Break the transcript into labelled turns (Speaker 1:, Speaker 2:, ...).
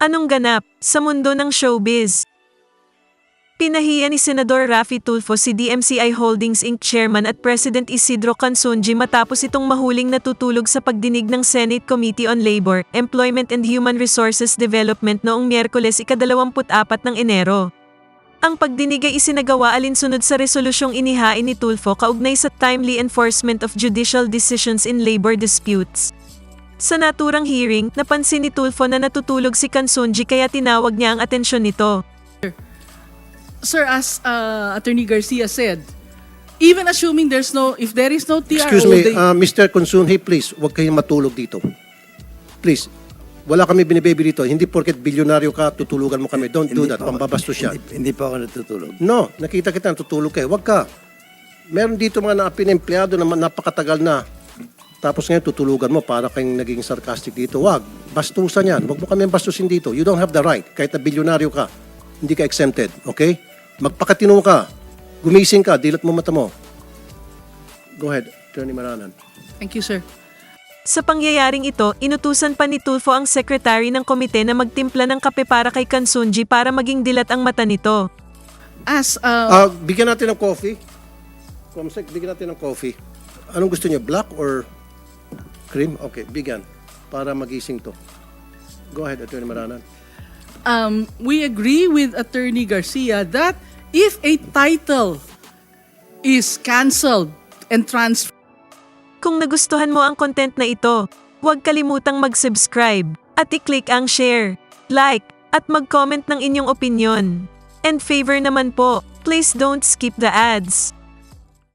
Speaker 1: Anong ganap sa mundo ng showbiz? Pinahiya ni Senador Raffy Tulfo si DMCI Holdings Inc. Chairman at President Isidro Consunji matapos itong mahuling natutulog sa pagdinig ng Senate Committee on Labor, Employment and Human Resources Development noong Miyerkules ika-24 ng Enero. Ang pagdinig ay isinagawa alinsunod sa resolusyong inihain ni Tulfo kaugnay sa timely enforcement of judicial decisions in labor disputes. Sa naturang hearing, napansin ni Tulfo na natutulog si Consunji kaya tinawag niya ang atensyon nito.
Speaker 2: Sir, as Attorney Garcia said, even assuming if there is no TRO...
Speaker 3: Excuse me, Mr. Consunji, please, huwag kayong matulog dito. Please, wala kami binibaby dito. Hindi porket bilyonaryo ka, tutulugan mo kami. Don't do that, pambabastos yan.
Speaker 4: Hindi pa ako natutulog.
Speaker 3: No, nakita kita natutulog kayo. Huwag ka. Meron dito mga naapin na empleyado na napakatagal na. Tapos ngayon tutulugan mo para kayong naging sarcastic dito. Huwag, bastusan yan. Huwag mo kami bastusin dito. You don't have the right. Kahit na bilyonaryo ka, hindi ka exempted. Okay? Magpakatino ka. Gumising ka. Dilat mo mata mo. Go ahead, Attorney Maranan.
Speaker 2: Thank you, sir.
Speaker 1: Sa pangyayaring ito, inutusan pa ni Tulfo ang sekretary ng komite na magtimpla ng kape para kay Consunji para maging dilat ang mata nito.
Speaker 2: As
Speaker 3: Bigyan natin ng coffee. Comsec, bigyan natin ng coffee. Anong gusto niyo? Black or cream? Okay, bigyan. Para magising to. Go ahead, Attorney Maranan.
Speaker 2: we agree with Attorney Garcia that if a title is canceled and transferred,
Speaker 1: Kung nagustuhan mo ang content na ito, huwag kalimutang mag-subscribe at i-click ang share, like, at mag-comment ng inyong opinion. And favor naman po, please don't skip the ads.